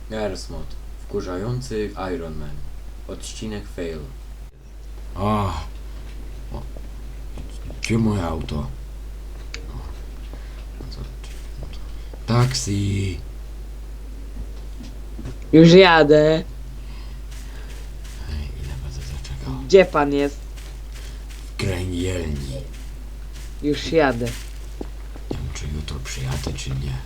Gersmod. Wkurzający Iron Man. Odcinek fail. Gdzie moje auto? Taksi! Już jadę. Ile będę zaczekał? Gdzie pan jest? W kręgielni. Już jadę. Nie wiem, czy jutro przyjadę, czy nie.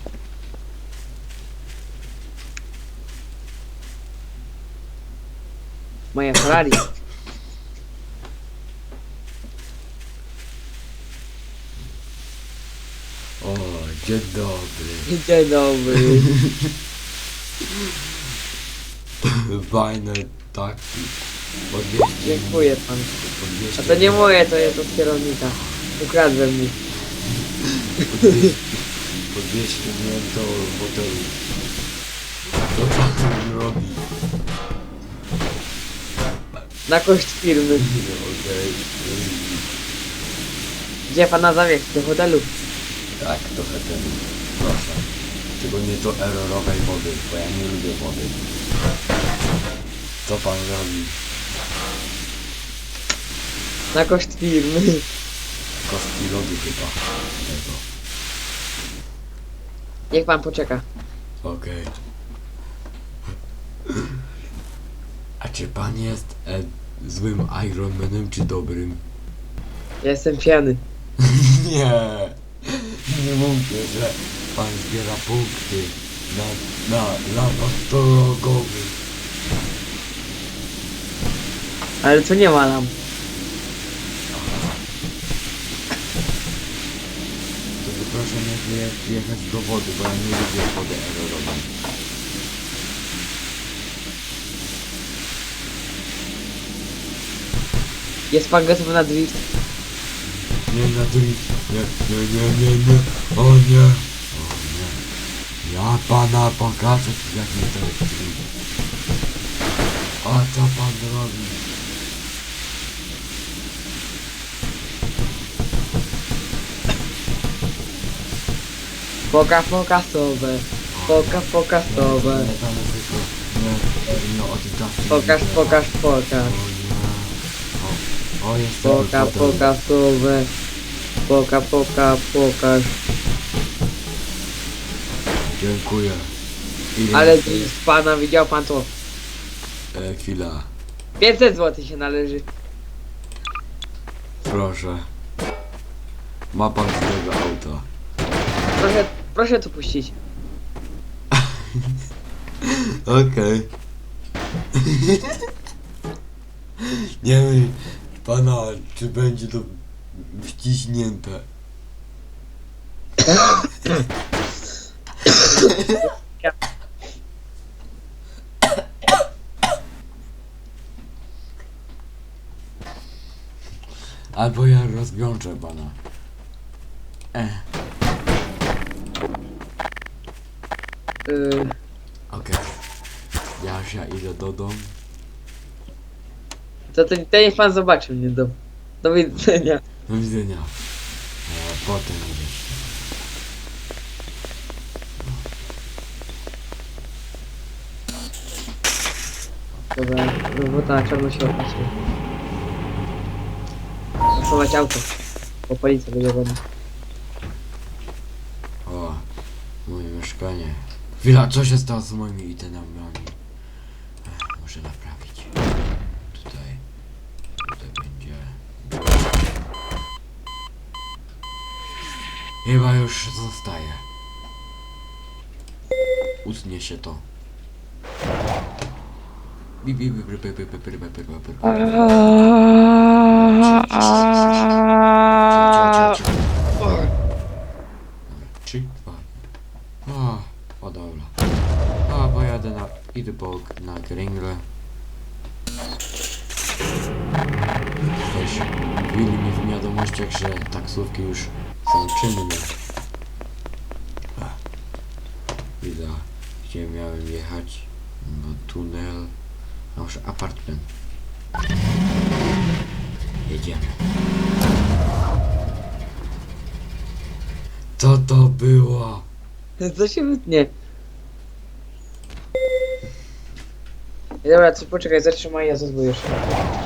Moja Ferrari. O, dzień dobry. Dzień dobry. Fajne taksi. Podwieźcie Dziękuję pan. Podwieźcie A to nie moje, to jest od kierownika. Ukradłem mu. Podwieźcie mnie do hotelu. Co pan robi? Na koszt firmy. Okej. Gdzie pana zawieźć? Do hotelu. Tak, do hotelu. Proszę. Szczególnie do errorowej wody, bo ja nie lubię wody. Co pan robi? Na koszt firmy. Kostki lodu chyba. Tego. Niech pan poczeka. Okej. A czy pan jest złym Iron Manem czy dobrym? Ja jestem pijany. Nie. Nie mówcie, że pan zbiera punkty na latach drogowych. Ale to nie ma nam. To proszę nie jechać do wody, bo ja nie lubię wody erorowej. Jest pan gotowy na drift? Nie na drift. Nie. O nie. O nie. Ja pana pokażę jak nie to jest drift. A co pan robi? Pokasowe. Pokasowe. Nie, tam jest tylko... Nie, o tym czasie. Pokaż. O nie. O, jest ten fotel. Pokasowe. Pokaż. Dziękuję. Ile Ale jest- drift pana, widział pan to? Chwila. 500 zł się należy. Proszę. Ma pan swojego auta. Proszę tu puścić. Okej. Nie wiem pana, czy będzie to wciśnięte. Albo ja rozwiążę pana. Okej. Ja idę do domu. To niech pan zobaczy mnie. Do widzenia. Do widzenia. Potem idziesz. Dobra, robota na czarno się opłaciła. Schować auto. Bo policja będzie wodna. O, moje mieszkanie. Chwila, co się stało z moimi itemami? Muszę naprawić. Tutaj będzie. Chyba już zostaje. Utnie się to. Trzy, dwa. O dobra. Pojadę idę na Gringle. Też mówili mi w wiadomościach, że taksówki już są czynne. Widzę, gdzie miałem jechać. No tunel. A może apartment. Jedziemy. Co to było? Co się wytnie? Dobra, ty poczekaj, zatrzymaj, ja zazwyczaj jeszcze.